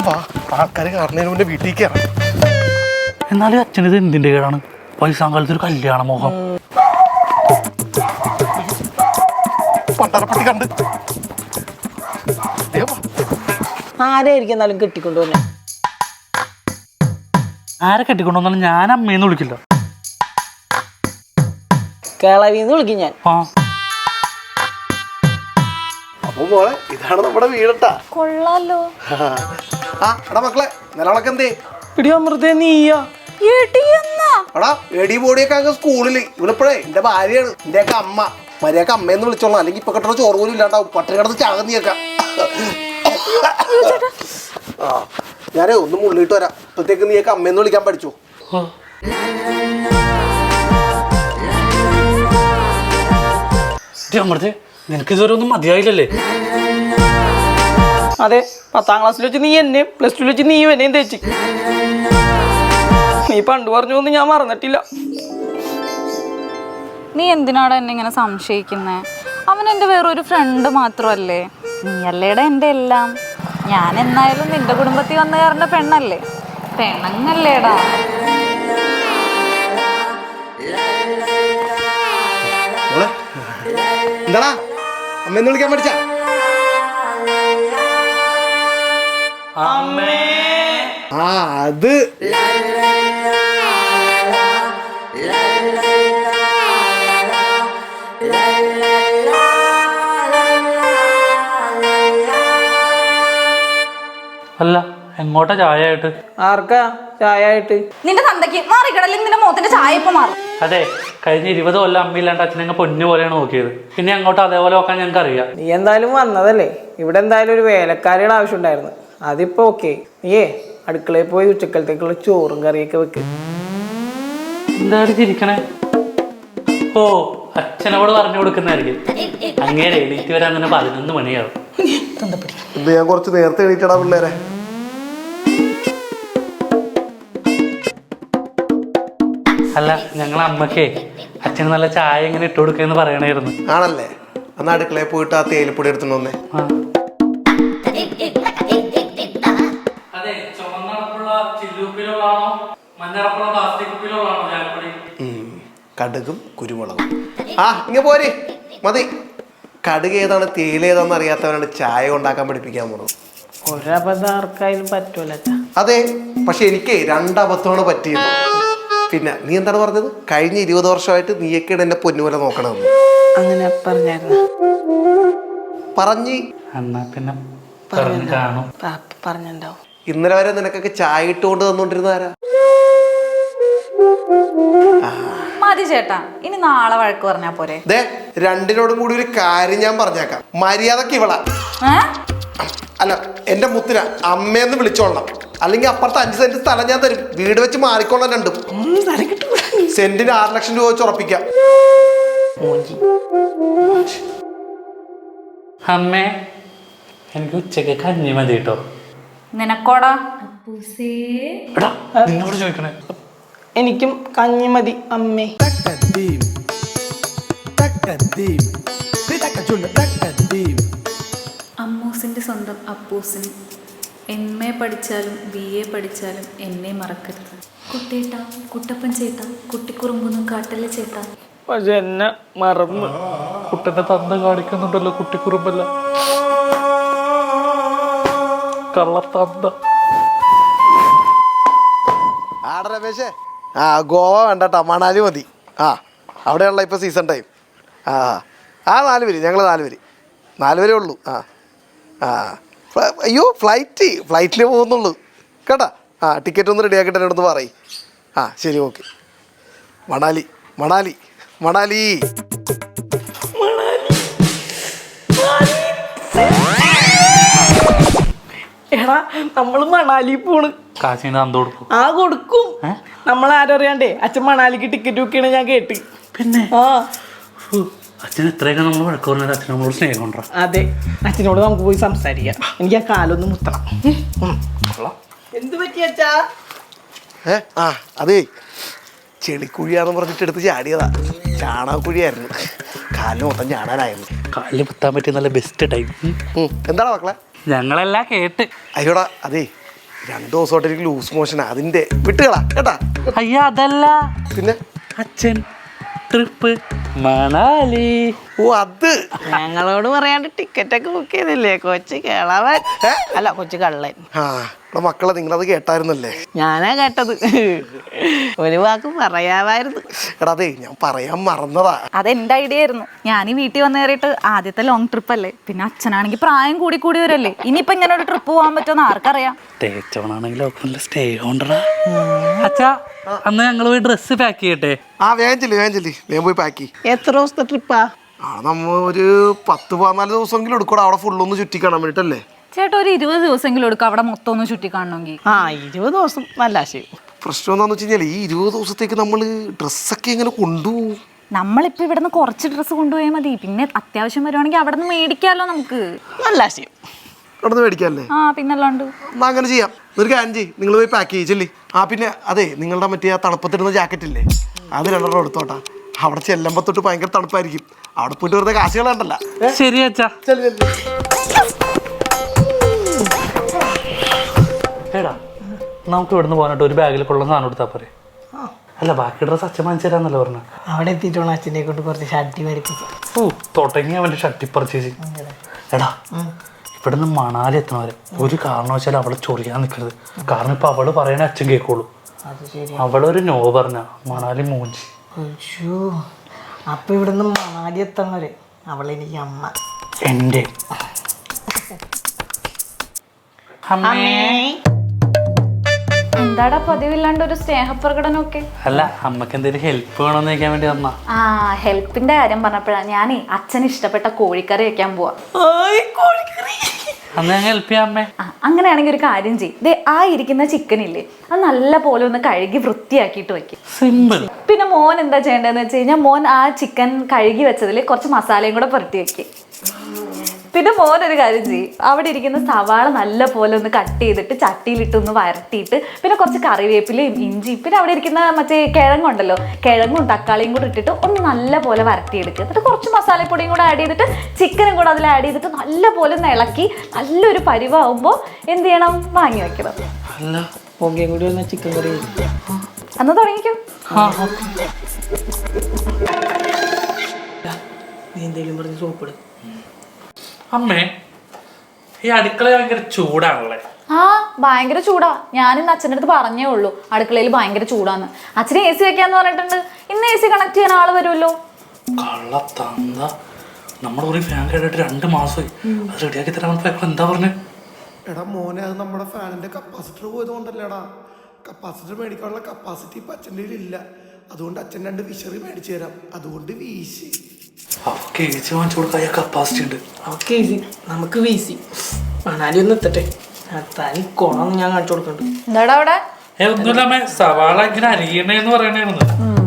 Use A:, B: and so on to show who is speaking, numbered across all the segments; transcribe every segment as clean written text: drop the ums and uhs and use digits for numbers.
A: വാ, ആൾക്കാർ കാണുന്നതിന് മുന്നേ വീട്ടിൽ കയറാം.
B: എന്നാലും അച്ഛനിത് എന്തിന്റെ കേടാണ്? വയസ്സാങ്കാലത്ത് ഒരു കല്യാണ മോഹം.
A: പണ്ടാരപ്പട്ടി കണ്ട്
C: ആരായിരിക്കും എന്നാലും കെട്ടിക്കൊണ്ടുവന്നെ?
B: ആരെ കെട്ടിക്കൊണ്ടുവന്നാലും ഞാൻ അമ്മയെന്ന് വിളിക്കില്ല.
C: കേളവിന്ന് വിളിക്കും ഞാൻ.
A: അപ്പൊ മോളെ ഇതാണ് നമ്മുടെ വീടട്ടാ.
D: കൊള്ളാലോ.
A: ആ എടാ മക്കളെ, നിലവിളക്ക് എന്തേ?
C: പിടി അമൃതേ നീയാ?
A: എടാ എടി ബോഡിയൊക്കെ അങ്ങ് സ്കൂളില്. ഇവളിപ്പോഴേ എന്റെ ഭാര്യയാണ്, എന്റെയൊക്കെ അമ്മ. മര്യാദക്ക് അമ്മയെന്ന് വിളിച്ചോളാം, അല്ലെങ്കിൽ ഇപ്പൊ കിട്ടുന്ന ചോറ് പോലും ഇല്ലാണ്ടാവും. പട്ടിണി കിടന്ന് ചാകുന്നീയൊക്കെ. ആ ഞാനേ ഒന്ന് മുള്ളിട്ട് വരാം. ഇപ്പത്തേക്ക് നീയൊക്കെ അമ്മയെന്ന് വിളിക്കാൻ പഠിച്ചു.
B: അമൃതേ, നിനക്ക് ഇതുവരെ ഒന്നും മതിയായില്ലല്ലേ?
C: അതെ, 10ാം ക്ലാസ്സിൽ വെച്ച് നീ എന്നെയും പ്ലസ് 2 വെച്ച് നീയും എന്നെയും തേച്ച്. നീ പണ്ട് പറഞ്ഞൊന്നും ഞാൻ മറന്നിട്ടില്ല.
D: നീ എന്തിനാടാ എന്നെ ഇങ്ങനെ സംശയിക്കുന്നേ? അവൻ എൻ്റെ വേറൊരു ഫ്രണ്ട് മാത്രമല്ലേ. നീയല്ലേടാ എൻ്റെ എല്ലാം. ഞാൻ എന്നായാലും നിന്റെ കുടുംബത്തിൽ വന്ന കാരൻ്റെ പെണ്ണല്ലേ, പെണ്ണങ്ങല്ലേടാ.
A: എന്താടാ അമ്മയെന്ന് വിളിക്കാൻ പഠിച്ച? ആ അത്
B: അല്ല, എങ്ങോട്ടാ ചായ ആയിട്ട്?
C: ആർക്കാ ചായ ആയിട്ട്?
D: നിന്റെ തന്തയ്ക്ക് മാറിക്കടല്ലെങ്കിൽ നിന്റെ മുഖത്തിന്റെ ചായ ഇപ്പൊ മാറും.
B: അതെ, കഴിഞ്ഞ 20 കൊല്ലം അമ്മയില്ലാണ്ട് അച്ഛനങ്ങ് പൊന്നു പോലെയാണ് നോക്കിയത്. പിന്നെ അങ്ങോട്ട് അതേപോലെ നോക്കാൻ ഞങ്ങൾക്ക് അറിയാം.
C: നീ എന്തായാലും വന്നതല്ലേ, ഇവിടെ എന്തായാലും ഒരു വേലക്കാരിയുടെ ആവശ്യം ഉണ്ടായിരുന്നു. അതിപ്പോ ഓക്കെ. നീയേ അടുക്കളയിൽ പോയി ഉച്ചക്കലത്തേക്കുള്ള ചോറും കറിയൊക്കെ വെക്ക്.
B: എന്താണ് ചിരിക്കണേ? ഓ, അച്ഛനോട് പറഞ്ഞു കൊടുക്കുന്നതായിരിക്കും. അങ്ങേരെ എണീറ്റ് വരാൻ തന്നെ 11 മണിയാവും.
A: ഇത് ഞാൻ കുറച്ച് നേരത്തെ എണീറ്റടാ പിള്ളേരെ.
B: അല്ല, ഞങ്ങളെ അമ്മക്കേ അച്ഛന് നല്ല ചായ എങ്ങനെ ഇട്ട് കൊടുക്കെന്ന് പറയണായിരുന്നു.
A: ആണല്ലേ? അന്ന് അടുക്കളയിൽ പോയിട്ട് ആ തേയിലപ്പൊടി എടുത്തിട്ട് വന്നേ. കടുകും കുരുമുളകും. ആ ഇങ്ങ പോരെ മതി. കടുക് ഏതാണ് തേയില ഏതാണെന്ന് അറിയാത്തവരാണ് ചായ ഉണ്ടാക്കാൻ പഠിപ്പിക്കാൻ പോണത്.
C: ഒരബദ്ധം ആർക്കായാലും പറ്റൂല.
A: അതെ, പക്ഷെ എനിക്ക് 2 അബദ്ധമാണ് പറ്റിയത്. പിന്നെ നീ എന്താണ് പറഞ്ഞത്? കഴിഞ്ഞ 20 വർഷമായിട്ട് നീയൊക്കെയാണ് എന്നെ പൊന്നുപോലെ നോക്കണമെന്ന്.
C: അങ്ങനെ പറഞ്ഞായിരുന്നു?
A: പറഞ്ഞ്
B: എന്നാ പിന്നെ കാണും.
C: പറഞ്ഞിട്ടുണ്ടാവും.
A: ഇന്നലെ വരെ നിനക്കൊക്കെ ചായ ഇട്ടുകൊണ്ട് തന്നോണ്ടിരുന്നാരാ?
D: മതി ചേട്ടാ, ഇനി നാളെ വഴക്ക് പറഞ്ഞാ പോരെ?
A: ദേ, രണ്ടിനോടും കൂടി ഒരു കാര്യം ഞാൻ പറഞ്ഞേക്കാം. മര്യാദക്ക് ഇവളാ, അല്ല എന്റെ മുത്തിന അമ്മയെന്ന് വിളിച്ചോളണം. അല്ലെങ്കിൽ അപ്പുറത്ത് 5 സെന്റ് സ്ഥലം ഞാൻ തരും. വീട് വെച്ച് മാറിക്കൊള്ളാൻ രണ്ടും. സെന്റിന് 6 ലക്ഷം രൂപ വെച്ച് ഉറപ്പിക്കാം.
B: അമ്മേ, എനിക്ക് ഉച്ചക്ക് കഞ്ഞി മതി കേട്ടോ.
D: നിനക്കോടാ?
B: നിന്നോട് ചോദിക്കണേ.
C: എനിക്കും കഞ്ഞി മതി അമ്മേ.
E: അമ്മൂസിൻ്റെ സ്വന്തം അപ്പൂസിന് MA പഠിച്ചാലും BA പഠിച്ചാലും എന്നെ മറക്കരുത്. കുട്ടേട്ട, കുട്ടപ്പൻ ചേട്ട, കുട്ടിക്കുറുമ്പൊന്നും കാട്ടല്ലേ ചേട്ടാ.
C: പക്ഷെ എന്നെ മറന്നു.
B: കുട്ടന്റെ തന്ത കാണിക്കുന്നുണ്ടല്ലോ കുട്ടിക്കുറുമ്പല്ല, കള്ളത്തന്ത.
A: ആട രമേശേ, ആ ഗോവ വേണ്ടട്ടാ, മണാലി മതി. ആ അവിടെയുള്ള ഇപ്പോൾ സീസൺ ടൈം. ആ 4 പേര്, ഞങ്ങൾ 4 പേര്, 4 പേരേ ഉള്ളൂ. അയ്യോ ഫ്ലൈറ്റിൽ പോകുന്നുള്ളൂ കേട്ടാ. ടിക്കറ്റ് ഒന്ന് റെഡിയാക്കിയിട്ട് എന്നോടൊന്ന് പറയും. ശരി, ഓക്കെ. മണാലി മണാലി മണാലി
C: എടാ, നമ്മള് മണാലി പോണ്.
B: കാശിന് തന്ത കൊടുക്കും.
C: കൊടുക്കും. നമ്മളാരറിയാണ്ടേ അച്ഛൻ മണാലിക്ക് ടിക്കറ്റ് ബുക്ക് ചെയ്യണ ഞാൻ കേട്ട്.
B: പിന്നെ അച്ഛൻ എത്രയൊക്കെ നമ്മൾ വഴക്ക് പറഞ്ഞാൽ അച്ഛൻ നമ്മളോട് സ്നേഹം ഉണ്ടോ?
C: അതെ, അച്ഛനോട് നമുക്ക് പോയി സംസാരിക്കാം. എനിക്ക് ആ കാലൊന്ന് മുത്തണം. എന്ത് പറ്റി അച്ഛാ?
A: അതേ ചെളിക്കുഴിയാന്ന് പറഞ്ഞിട്ട് എടുത്ത് ചാടിയതാ. ചാണകക്കുഴിയായിരുന്നു. കാലിന് മൊത്തം ചാടാനായിരുന്നു.
B: കാലിൽ കുത്താൻ പറ്റിയ നല്ല ബെസ്റ്റ് ടൈം.
A: എന്താടാ മക്കളെ?
B: ഞങ്ങളെല്ലാം കേട്ട്.
A: അയ്യോടാ, അതേ 2 ദിവസമായിട്ട് എനിക്ക് ലൂസ് മോഷനാ, അതിന്റെ വിട്ടുകളാ കേട്ടാ.
B: അയ്യ അതല്ല,
A: പിന്നെ
B: അച്ഛൻ ട്രിപ്പ് മണാലി.
A: ഓ അത്
C: ഞങ്ങളോട് പറയാണ്ട് ടിക്കറ്റ് ഒക്കെ ബുക്ക് ചെയ്തില്ലേ കൊച്ചു കേളവൻ, അല്ല കൊച്ചു കള്ളൻ.
A: ആ ഇവിടെ മക്കളെ നിങ്ങളത് കേട്ടായിരുന്നല്ലേ?
C: ഞാനാ കേട്ടത്, ഒരു വാക്ക് പറയാമായിരുന്നു.
A: എടാ അതെ ഞാൻ പറയാൻ മറന്നതാ.
D: അതെന്റെ ഐഡിയ ആയിരുന്നു. ഞാൻ ഈ വീട്ടിൽ വന്ന് കയറിയിട്ട് ആദ്യത്തെ ലോങ് ട്രിപ്പ് അല്ലേ, പിന്നെ അച്ഛനാണെങ്കിൽ പ്രായം കൂടി കൂടി വരല്ലേ, ഇനിയിപ്പോ ഇങ്ങനെ ഒരു ട്രിപ്പ് പോകാൻ പറ്റുമെന്ന് ആർക്കറിയാം.
B: തേച്ചോണാണെങ്കിൽ സ്റ്റേ കൊണ്ടടാ. അച്ഛാ അന്ന് ഞങ്ങൾ പോയി ഡ്രസ്സ് പാക്ക് ചെയ്യട്ടെ?
A: ആ വേഗം ചെല്ലി വേഗം പോയി പാക്കി.
C: എത്ര ദിവസത്തെ ട്രിപ്പാ?
A: ആ നമ്മ ഒരു 10-14 ദിവസമെങ്കിലും എടുക്കൂടാ അവിടെ ഫുള്ളൊന്ന് ചുറ്റി കാണാൻ വേണ്ടിട്ടല്ലേ.
D: ചേട്ടാ ഒരു 20 ദിവസമെങ്കിലും എടുക്കും അവിടെ മൊത്തം ഒന്ന് ചുറ്റി കാണണമെങ്കിൽ.
C: 20 ദിവസം നല്ല ആശയം.
A: പ്രശ്നം എന്താന്ന് വെച്ച് കഴിഞ്ഞാൽ ഈ 20 ദിവസത്തേക്ക് നമ്മള് ഡ്രസ്സൊക്കെ എങ്ങനെ കൊണ്ടുപോകും?
D: നമ്മളിപ്പോ ഇവിടെ നിന്ന് കുറച്ച് ഡ്രസ്സ് കൊണ്ടുപോയാൽ മതി, പിന്നെ അത്യാവശ്യം വരുവാണെങ്കിൽ അവിടെ നിന്ന് മേടിക്കാമല്ലോ നമുക്ക്.
C: നല്ല ആശയം.
A: അവിടെ നിന്ന് മേടിക്കാല്ലേ?
D: ആ പിന്നല്ലാണ്ട്.
A: എന്നാ അങ്ങനെ ചെയ്യാം. ഒരു കാര്യം ചെയ്യ്, നിങ്ങൾ പോയി പാക്ക് ചെയ്യിച്ചല്ലേ. ആ പിന്നെ അതെ നിങ്ങളുടെ മറ്റേ ആ തണുപ്പത്തിടുന്ന ജാക്കറ്റ് ഇല്ലേ, അത് 2 എടുത്തോട്ടാ. അവിടെ ചെല്ലുമ്പോ തൊട്ട് ഭയങ്കര തണുപ്പായിരിക്കും, അവിടെ പോയിട്ട് വെറുതെ കാശുകളുണ്ടല്ല.
B: ശരി അച്ഛാ. എടാ നമുക്ക് ഇവിടുന്ന് പോകാനായിട്ട് ഒരു ബാഗിൽ കൊള്ളുന്ന സാധനം എടുത്താൽ പോരെ? അല്ല ബാക്കി ഡ്രസ് അച്ഛൻ വാങ്ങിച്ചു തരാന്നല്ലേ പറഞ്ഞത്.
C: അവിടെ എത്തിയിട്ടാണ് അച്ഛനെ കൊണ്ട് കുറച്ച് ഷർട്ടി വരപ്പിച്ചു.
B: ഓ തുടങ്ങി അവൻ്റെ ഷർട്ടി പർച്ചേസിങ്. എടാ ഇവിടുന്ന് മണാലി എത്തണവരെ ഒരു കാരണവശാലും അവളെ ചൊറിയാൻ നിൽക്കരുത്. കാരണം ഇപ്പൊ അവള് പറയണ അച്ഛൻ കേൾക്കുള്ളൂ. അവളൊരു നോ പറഞ്ഞ മണാലി മൂഞ്ചി.
C: അപ്പൊ ഇവിടുന്ന് മണാലി എത്തണവരെ അവളെനിക്ക് അമ്മ.
B: എൻ്റെ അമ്മേ.
D: എന്താടാ പതിവില്ലാണ്ട് ഒരു സ്നേഹപ്രകടനമൊക്കെ?
B: അല്ല അമ്മക്ക് എന്തെങ്കിലും ഹെൽപ്പ് വേണമെന്ന് ചോദിക്കാൻ വേണ്ടി വന്നാ.
D: ആ ഹെൽപ്പിന്റെ കാര്യം പറഞ്ഞപ്പോഴാണ് ഞാനേ അച്ഛന് ഇഷ്ടപ്പെട്ട കോഴിക്കറി വെക്കാൻ പോവാ.
B: അന്ന് ഞാൻ ഹെൽപ്പ് ചെയ്യാം അമ്മേ.
D: അങ്ങനെയാണെങ്കിൽ ഒരു കാര്യം ചെയ്യും, ദേ ആ ഇരിക്കുന്ന ചിക്കൻ ഇല്ലേ അത് നല്ല പോലെ ഒന്ന് കഴുകി വൃത്തിയാക്കിയിട്ട് വെക്കും.
B: സിമ്പിൾ.
D: പിന്നെ മോൻ എന്താ ചെയ്യേണ്ടതെന്ന് വെച്ച് കഴിഞ്ഞാൽ മോൻ ആ ചിക്കൻ കഴുകി വെച്ചതിൽ കുറച്ച് മസാലയും കൂടെ പുരട്ടി വെക്കും. പിന്നെ മോനൊരു കാര്യം ചെയ്യും, അവിടെ ഇരിക്കുന്ന സവാള നല്ല പോലെ ഒന്ന് കട്ട് ചെയ്തിട്ട് ചട്ടിയിലിട്ട് ഒന്ന് വരട്ടിയിട്ട് പിന്നെ കുറച്ച് കറിവേപ്പിലയും ഇഞ്ചി പിന്നെ അവിടെ ഇരിക്കുന്ന മറ്റേ കിഴങ്ങുണ്ടല്ലോ, കിഴങ്ങും തക്കാളിയും കൂടെ ഇട്ടിട്ട് ഒന്ന് നല്ല പോലെ വരട്ടിയെടുക്കുക. എന്നിട്ട് കുറച്ച് മസാലപ്പൊടിയും കൂടെ ആഡ് ചെയ്തിട്ട് ചിക്കനും കൂടെ അതിൽ ആഡ് ചെയ്തിട്ട് നല്ല പോലെ ഒന്ന് ഇളക്കി നല്ലൊരു പരിവാകുമ്പോൾ എന്ത് ചെയ്യണം, വാങ്ങി വെക്കണം.
C: പൊങ്കയും കൂടി വന്ന ചിക്കൻ കറി
D: അന്ന് തുടങ്ങിക്കും.
C: നീ എന്തെങ്കിലും പറഞ്ഞ് സോപ്പിടും.
B: അമ്മേ ഈ അടുക്കള ഭയങ്കര ചൂടാണല്ലേ?
D: ആ ഭയങ്കര ചൂടാ. ഞാനിന്ന് അച്ഛൻ്റെ അടുത്ത് പറഞ്ഞേ ഉള്ളൂ അടുക്കളയിൽ ഭയങ്കര ചൂടാന്ന്. അച്ഛന് AC വെക്കാന്ന് പറഞ്ഞിട്ടുണ്ട്. ഇന്ന് AC കണക്ട് ചെയ്യാൻ ആള് വരുമല്ലോ.
B: കള്ളത്തന്ത, നമ്മുടെ ഒരു ഫാൻ കേട്ടിട്ട് 2 മാസമായി. അത് റെഡിയാക്കി തരാൻ എന്താ പറഞ്ഞേ?
A: എടാ മോനെ അത് നമ്മുടെ ഫാനിന്റെ കപ്പാസിറ്റർ പോയതുകൊണ്ടല്ലേടാ. കപ്പാസിറ്റർ മേടിക്കാനുള്ള കപ്പാസിറ്റി ഇപ്പൊ അച്ഛൻ്റെ ഇല്ല, അതുകൊണ്ട് അച്ഛൻ 2 വിശറി മേടിച്ചു തരാം, അതുകൊണ്ട് വീശി.
B: അവർക്ക് AC വാങ്ങിച്ചു കൊടുക്കാൻ കപ്പാസിറ്റി ഉണ്ട്.
C: ഓക്കെ നമുക്ക് വീസി മണാലി ഒന്ന് എത്തട്ടെ, തനി കുണം ഞാൻ കാണിച്ചു കൊടുക്കണ്ട്.
D: എന്താടാ അവിടെ?
B: ഒന്നുമില്ല അമ്മേ, സവാള ഇങ്ങനെ അരിയണേന്ന് പറയണേന്ന്.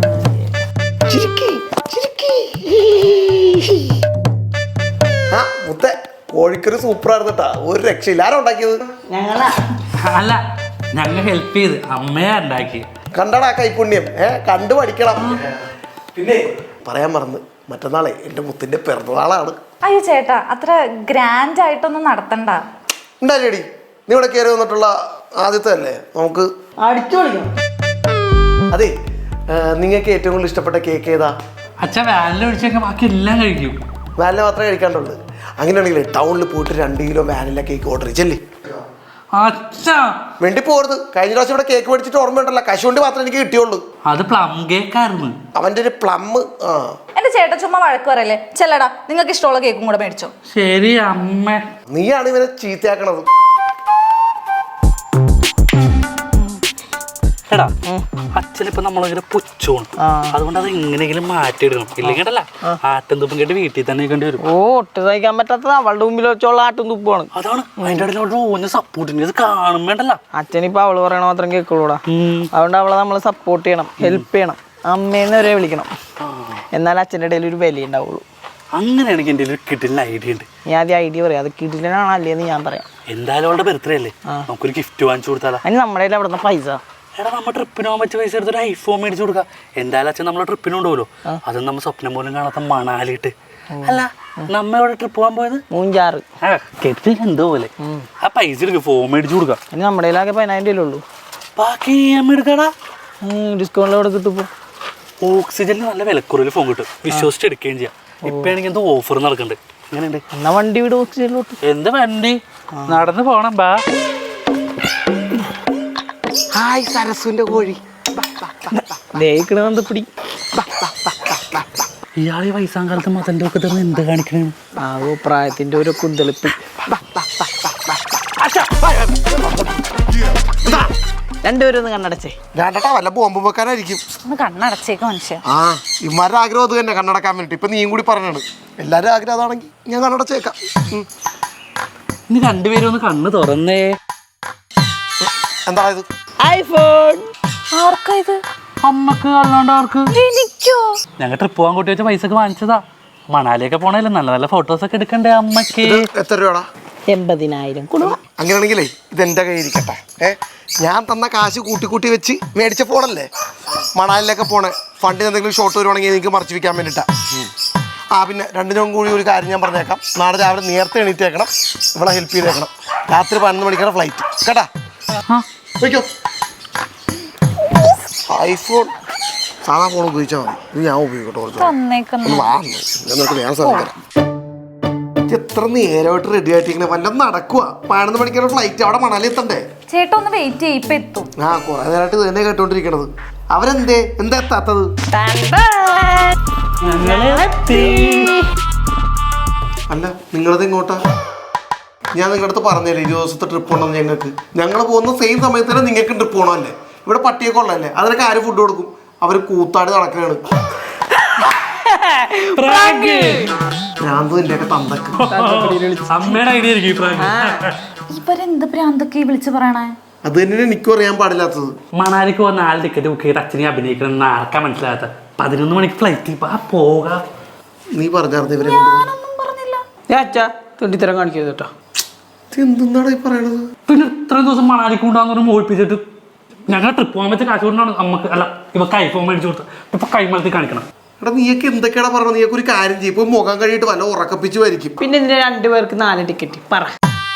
A: ആ മുത്തേ കോഴിക്കറി സൂപ്പറായിരുന്നട്ടാ, ഒരു രക്ഷയില്ല. ആരാ ഉണ്ടാക്കിയത്?
C: ഞങ്ങളാ.
B: അല്ല ഞങ്ങൾ ഹെൽപ്പ് ചെയ്ത് അമ്മയാ ഉണ്ടാക്കി.
A: കണ്ടടാ കൈപുണ്യം, കണ്ടു പഠിക്കണം. പിന്നെ പറയാൻ മറന്ന്, മറ്റന്നാളെ എൻ്റെ മുത്തിന്റെ പിറന്നാളാണ്.
D: അയ്യോ ചേട്ടാ അത്ര ഗ്രാൻഡ് ആയിട്ടൊന്നും നടത്തണ്ട.
A: ഉണ്ടായില്ലേടി, നീ ഇവിടെ കയറി വന്നിട്ടുള്ള ആദ്യത്തെ അല്ലേ, നമുക്ക്
C: അടിച്ചു കളിക്കണം.
A: അതെ നിങ്ങൾക്ക് ഏറ്റവും കൂടുതൽ ഇഷ്ടപ്പെട്ട കേക്ക് ഏതാ?
B: അച്ഛൻ വാനില ഒഴിച്ചൊക്കെ ബാക്കി എല്ലാം കഴിക്കും.
A: വാനില മാത്രമേ കഴിക്കാണ്ടുള്ളൂ. അങ്ങനെയാണെങ്കിൽ ടൗണിൽ പോയിട്ട് 2 കിലോ വാനില കേക്ക് ഓർഡർ ചെയ്യല്ലേ.
B: അച്ഛാ
A: വേണ്ടി പോകരുത്. കഴിഞ്ഞ പ്രാവശ്യം ഇവിടെ കേക്ക് മേടിച്ചിട്ട് ഓർമ്മയുണ്ടല്ലോ, കശുവണ്ടി മാത്രമേ എനിക്ക് കിട്ടിയുള്ളൂ.
B: അത് പ്ലം കേക്കായിരുന്നു.
A: അവൻ്റെ ഒരു പ്ലം.
D: എന്റെ ചേട്ടൻ ചുമ്മാ വഴക്ക് പറയല്ലേ. ചെല്ലടാ നിങ്ങൾക്ക് ഇഷ്ടമുള്ള കേക്കും കൂടെ മേടിച്ചോ.
B: ശരി അമ്മ.
A: നീയാണ് ഇവനെ ചീത്തയാക്കണത്.
B: എടാ അച്ഛനിപ്പോ നമ്മളിങ്ങനെ പുച്ഛമാണ്, അതുകൊണ്ട് അത് എങ്ങനെയെങ്കിലും മാറ്റിയെടുക്കണം. ഇല്ലെങ്കിൽ ആട്ടും തുപ്പും കേട്ട് വീട്ടിൽ തന്നെ നിൽക്കേണ്ടി വരും.
C: ഒട്ട് സഹിക്കാൻ പറ്റാത്തത് അവളുടെ മുമ്പിൽ വെച്ചുള്ള ആട്ടും തുപ്പാണ്.
B: അതാണ് അതിന്റെ ഇടയിൽ ഓന് സപ്പോർട്ടിന് ഇത് കാണുമ്പോണ്ടല്ല.
C: അച്ഛനിപ്പോ അവള് പറയണ മാത്രം കേൾക്കുള്ളൂടാ. അതുകൊണ്ട് അവളെ നമ്മൾ സപ്പോർട്ട് ചെയ്യണം, ഹെൽപ്പ് ചെയ്യണം, അമ്മേന്ന് വരെ വിളിക്കണം. എന്നാൽ അച്ഛൻ്റെ ഇടയിൽ ഒരു വില ഉണ്ടാവുള്ളൂ.
B: അങ്ങനെയാണെങ്കിൽ എൻ്റെ ഒരു കിട്ടില്ല ഐഡിയ ഉണ്ട്.
C: ഞാൻ ആദ്യം ഐഡിയ പറയാം, അത് കിട്ടില്ലാണോ അല്ലേന്ന് ഞാൻ പറയാം.
B: എന്തായാലും അവളുടെ ബർത്ത്ഡേ അല്ലേ, നമുക്കൊരു ഗിഫ്റ്റ് വാങ്ങിച്ചു കൊടുത്താലോ?
C: അതിന് നമ്മുടെ കയ്യിൽ അവിടെ നിന്ന് പൈസ.
B: എടാ നമ്മൾ ട്രിപ്പിന് പോകാൻ പറ്റിയ പൈസ എടുത്തൊരു ഐഫോൺ മേടിച്ചു കൊടുക്കാം. എന്തായാലും അച്ഛൻ നമ്മളെ ട്രിപ്പിന് കൊണ്ടുപോകല്ലോ, അതും നമ്മൾ സ്വപ്നം പോലും കാണാത്ത മണാലിട്ട് അല്ല നമ്മ എവിടെ ട്രിപ്പ് പോകാൻ പോയത്?
C: മൂഞ്ചാറ്.
B: കെട്ടി എന്തോ പോലെ. ആ പൈസ എടുക്കുക, ഫോം മേടിച്ചു കൊടുക്കാം.
C: ഇനി നമ്മുടെ കയ്യിലാകെ 10,000 ഉള്ളൂ.
B: ബാക്കി EMI എടുക്കടാ.
C: ഡിസ്കൗണ്ടിൽ എവിടെ കിട്ടും?
B: ഓക്സിജനിൽ നല്ല വിലക്കുറവിൽ ഫോൺ കിട്ടും, വിശ്വസിച്ച് എടുക്കുകയും ചെയ്യാം. ഇപ്പൊ ആണെങ്കിൽ എന്തോ ഓഫർ നടക്കുന്നുണ്ട്. എങ്ങനെയുണ്ട്?
C: എന്നാ വണ്ടി വീട് ഓക്സിജനിലോട്ട്.
B: എന്ത് വണ്ടി? നടന്ന് പോണം. ബാ.
A: ഹായ് സരസുവിന്റെ കോഴി.
C: ദേഹിക്കണെന്ത് പിടി.
B: ഇയാളെ വയസ്സാം കാലത്ത് മതന്റെ ഒക്കെ തരുന്ന എന്ത് കാണിക്കണേ?
C: ആവോ പ്രായത്തിന്റെ ഒരു കുന്തളിപ്പ്. രണ്ടുപേരും ഒന്ന് കണ്ണടച്ചേ.
A: വേണ്ടട്ടാ, വല്ല ബോംബ് വെക്കാനായിരിക്കും.
D: ഒന്ന് കണ്ണടച്ചേക്ക് മനുഷ്യ.
A: ആ ഇമാരുടെ ആഗ്രഹം അത് തന്നെ, കണ്ണടക്കാൻ വേണ്ടിട്ട്. ഇപ്പൊ നീയും കൂടി പറഞ്ഞാണ് എല്ലാരും ആഗ്രഹം അതാണെങ്കിൽ ഞാൻ കണ്ണടച്ചേക്കാം.
B: ഇനി രണ്ടുപേരും ഒന്ന് കണ്ണ് തുറന്നേ.
A: എന്താ ഇത്?
C: ഐഫോൺ.
D: ആർക്കാ ഇത്?
B: അമ്മക്ക് അല്ലാണ്ട് ആർക്ക്?
D: എനിക്കോ?
B: ഞങ്ങൾ ട്രിപ്പ് പോകാൻ കൂട്ടി വെച്ച പൈസക്ക് വാങ്ങിച്ചതാ. മണാലിയൊക്കെ പോണല്ലേ, നല്ല നല്ല ഫോട്ടോസ് ഒക്കെ എടുക്കണ്ടേ അമ്മക്ക്.
A: എത്ര രൂപടാ?
C: 80,000 കൊടു.
A: അങ്ങനെയാണെങ്കിലേ ഇതെന്റെ കയ്യിൽ ഇരിക്കട്ടെ. ഞാൻ തന്ന കാശ് കൂട്ടി കൂട്ടി വെച്ച് മേടിച്ച ഫോണല്ലേ. മണാലിലൊക്കെ പോണേ ഫണ്ടിന് എന്തെങ്കിലും ഷോർട്ട് വരുവാണെങ്കിൽ എനിക്ക് മറച്ചു വെക്കാൻ വേണ്ടിട്ടാ. ആ പിന്നെ രണ്ടിനും കൂടി ഒരു കാര്യം ഞാൻ പറഞ്ഞേക്കാം. നാളെ രാവിലെ നേരത്തെ എണീറ്റേക്കണം, ഇവിടെ ഹെൽപ്പ് ചെയ്തേക്കണം. രാത്രി 11 മണിക്കാണ് ഫ്ലൈറ്റ് കേട്ടാ. വയ്ക്കോ. ഐഫോൺ സാധാ ഫോൺ ഉപയോഗിച്ചാൽ മതി. ഇത് ഞാൻ ഉപയോഗിക്കട്ടെ.
D: തന്നേക്കുന്നു.
A: ഞാൻ സ്ഥലം തരാം. എത്ര നേരമായിട്ട് റെഡി ആയിട്ടിങ്ങനെ വല്ലതും നടക്കുക. 11 മണിക്കാണ് ഫ്ലൈറ്റ്, അവിടെ മണാലി എത്തണ്ടേ.
D: ചേട്ടാ ഒന്ന് വെയിറ്റ് ചെയ്യ്, ഇപ്പൊ എത്തും.
A: ആ കുറെ നേരമായിട്ട് ഇത് തന്നെ കേട്ടോണ്ടിരിക്കണത്. അവരെന്തേ എന്താ എത്താത്തത്? അല്ല നിങ്ങളത് ഇങ്ങോട്ടാ? ഞാൻ നിങ്ങളുടെ അടുത്ത് പറഞ്ഞല്ലേ 20 ദിവസത്തെ ട്രിപ്പ് ഉണ്ടെന്ന്. ഞങ്ങൾ പോകുന്ന സെയിം സമയത്ത് തന്നെ നിങ്ങൾക്ക് ട്രിപ്പ് പോകണമല്ലേ. ഇവിടെ പട്ടിയൊക്കെ ഉള്ളതല്ലേ, അതിനൊക്കെ ആര് ഫുഡ് കൊടുക്കും? അവർ കൂത്താടി നടക്കുകയാണ്. ഭ്രാന്തിന്റെയൊക്കെ തന്തക്ക്.
B: അമ്മയുടെ ഐഡിയ ആയിരിക്കും.
D: ഇവരെന്ത് ഭ്രാന്തൊക്കെ വിളിച്ചു പറയണേ?
A: അത് തന്നെയാണ് എനിക്കും അറിയാൻ പാടില്ലാത്തത്.
B: മണാലിക്ക് പോകാൻ 4 ടിക്കറ്റ് ബുക്ക് ചെയ്ത് അച്ഛനെ അഭിനയിക്കണം ആർക്കാ മനസ്സിലാകാത്ത. 11 മണിക്ക് ഫ്ലൈറ്റ് പോകാം.
A: നീ പറഞ്ഞായിരുന്നു ഇവരെ
C: അച്ഛാ തുണ്ടിത്തരം കാണിക്കരുത് കേട്ടോ.
A: എന്താണ് ഈ പറയണത്?
B: പിന്നെ ഇത്രയും ദിവസം മണാലിക്ക് കൊണ്ടാന്ന് പറഞ്ഞ് മോഹിപ്പിച്ചിട്ട് ഞങ്ങൾ ട്രിപ്പ് പോകാൻ വെച്ച കാശ് കൊണ്ടാണ് അമ്മക്ക് അല്ല ഇവക്ക് ഐഫോൺ മേടിച്ചു കൊടുത്ത്. ഇപ്പൊ കൈമലത്തി കാണിക്കണം.
A: എടാ നീയൊക്കെ എന്തൊക്കെയാണ് പറഞ്ഞത്? നീയൊക്കെ ഒരു കാര്യം ചെയ്യും. ഇപ്പൊ മുഖം കഴിയിട്ട് വല്ല ഉറക്കപ്പിച്ചു വരിക്കും.
C: പിന്നെ ഇതിന് 2 പേർക്ക് 4 ടിക്കറ്റ് പറ.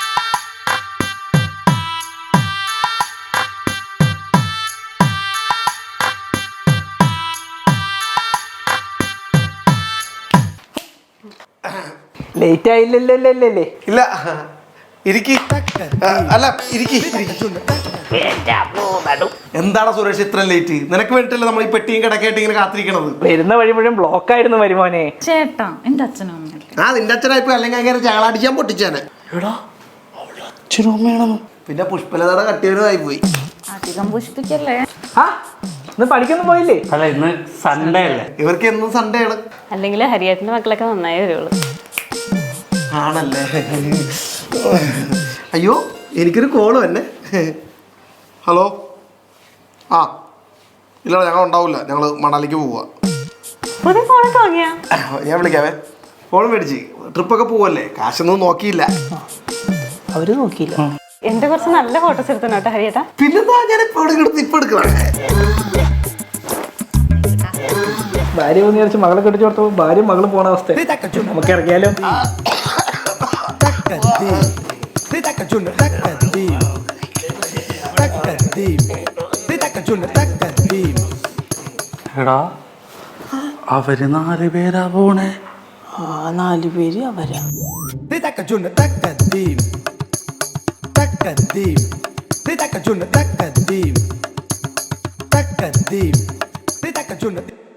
C: ലേറ്റ് ആയില്ലല്ലേ?
A: ഇല്ല ഇരിക്കി. അല്ല ഇരിക്കി. എന്താണ് സുരേഷ് ഇത്ര ലേറ്റ്? നിനക്ക് വേണ്ടിട്ടല്ലേ നമ്മൾ ഈ പെട്ടിയും കിടക്കായിട്ട് ഇങ്ങനെ കാത്തിരിക്കണത്.
C: വരുന്ന വഴി മുഴുവൻ ബ്ലോക്ക് ആയിരുന്നു വരുമോനെ.
D: ചേട്ടാ എന്റെ അച്ഛനും അമ്മയല്ലേ.
A: ആ നിന്റെ അച്ഛനായിപ്പോ അല്ലെങ്കിൽ അങ്ങനെ ചാളടിക്കാൻ പൊട്ടിച്ചാനെ.
B: അച്ഛനും അമ്മയാണെന്ന്.
A: പിന്നെ പുഷ്പലതയുടെ കട്ടിയവനുമായി പോയി.
D: അധികം പുഷ്പിക്കല്ലേ.
C: ഇന്ന് പഠിക്കൊന്നും പോയില്ലേ?
B: അല്ല ഇന്ന് സൺഡേ അല്ലേ.
A: ഇവർക്ക് എന്നും സൺഡേ ആണ്.
F: അല്ലെങ്കിൽ ഹരിയേട്ടന്റെ മക്കളൊക്കെ നന്നായി വരുള്ളൂ.
A: ആണല്ലേ? അയ്യോ എനിക്കൊരു കോള് തന്നെ. ഹലോ. ആ ഇല്ല ഞങ്ങൾ ഉണ്ടാവില്ല, ഞങ്ങൾ മണാലിക്ക് പോവാ.
F: പുതിയ ഫോണൊക്കെ വാങ്ങിയാ?
A: ഞാൻ വിളിക്കാവേ. ഫോൺ മേടിച്ച് ട്രിപ്പൊക്കെ പോവല്ലേ, കാശൊന്നും നോക്കിയില്ല.
C: അവര് നോക്കിയില്ല.
F: എന്റെ കുറച്ച് നല്ല ഫോട്ടോസ് എടുത്തു കേട്ടോ ഹരിയേട്ടാ.
A: പിന്നെന്താ ഞാൻ ഇപ്പൊ എടുക്കണം.
C: ഭാര്യ ഒന്ന് വിചാരിച്ച് മകളെ കെട്ടിച്ചു കൊടുത്തു. ഭാര്യ മകള് പോണ അവസ്ഥ. നമുക്ക് ഇറങ്ങിയാലോ?
B: എടാ അവര് 4 പേരാ പോണേ.
C: 4 പേര് അവരാ.
G: Takadim.